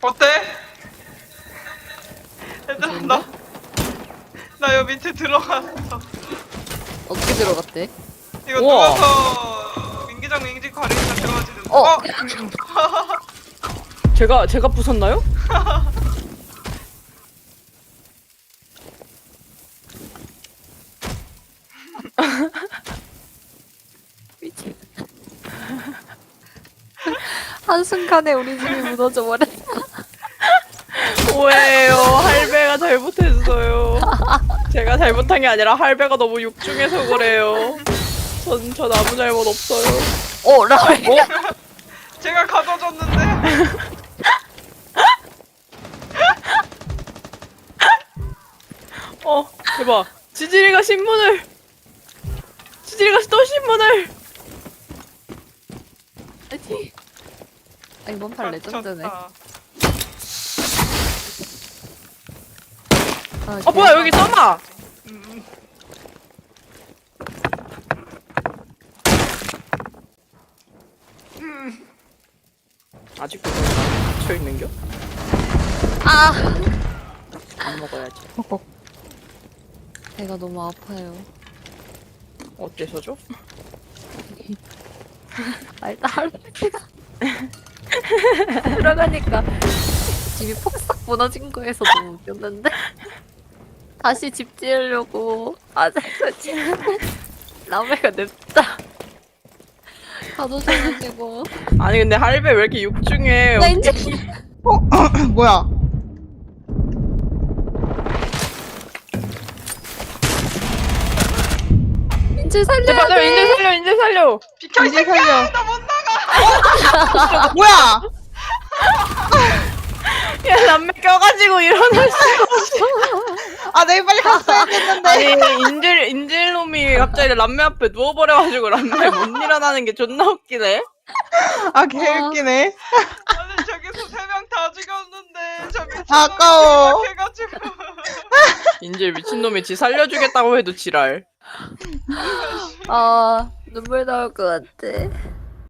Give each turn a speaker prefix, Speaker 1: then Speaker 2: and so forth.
Speaker 1: 어때? 얘들아 나 여기 밑에 들어갔어.
Speaker 2: 어떻게 들어갔대?
Speaker 1: 이거
Speaker 3: 우와.
Speaker 1: 누워서 민기장 민기 가리니까 들어가지는.
Speaker 3: 제가 부쉈나요?
Speaker 2: 미친. 한순간에 우리 집이 무너져 버렸어.
Speaker 3: 오해요. 할배가 잘못했어요. 제가 잘못한 게 아니라 할배가 너무 육중해서 그래요. 전 아무 잘못 없어요.
Speaker 2: 라면.
Speaker 1: 제가 가져줬는데.
Speaker 3: 대박. 지질이가 또 신문을.
Speaker 2: 아니. 이번 판 레전드네.
Speaker 1: 갇혔다.
Speaker 3: 뭐야 여기 써마. 아직도 갇혀 있는겨? 안 먹어야지.
Speaker 2: 배가 너무 아파요.
Speaker 3: 어째서죠?
Speaker 2: 일단 할배가 들어가니까 집이 폭삭 무너진 거에서 너무 웃겼는데 다시 집 지으려고 아재같이 라메가 냅다 가둬줘가지고.
Speaker 3: 아니 근데 할배 왜 이렇게 육중해?
Speaker 2: 나 이제
Speaker 4: 뭐야?
Speaker 2: 인질 살려야
Speaker 3: 맞아,
Speaker 2: 돼.
Speaker 3: 인질 살려.
Speaker 1: 비켜 이
Speaker 4: 이제
Speaker 1: 새끼야.
Speaker 4: 살려.
Speaker 1: 나 못 나가.
Speaker 4: 뭐야?
Speaker 3: 야 남매 껴가지고 일어날 수.
Speaker 4: 아, 내일 빨리 갔어야 됐는데.
Speaker 3: 아니 인질놈이 갑자기 람메 앞에 누워버려가지고 람메 못 일어나는 게 존나 웃기네.
Speaker 4: 아, 개웃기네.
Speaker 1: 아니 저기서 3명 다 죽였는데 저 미친놈이
Speaker 4: 아까워.
Speaker 1: 해가지고.
Speaker 3: 인질 미친놈이 지 살려주겠다고 해도 지랄.
Speaker 2: 눈물 나올 것 같아.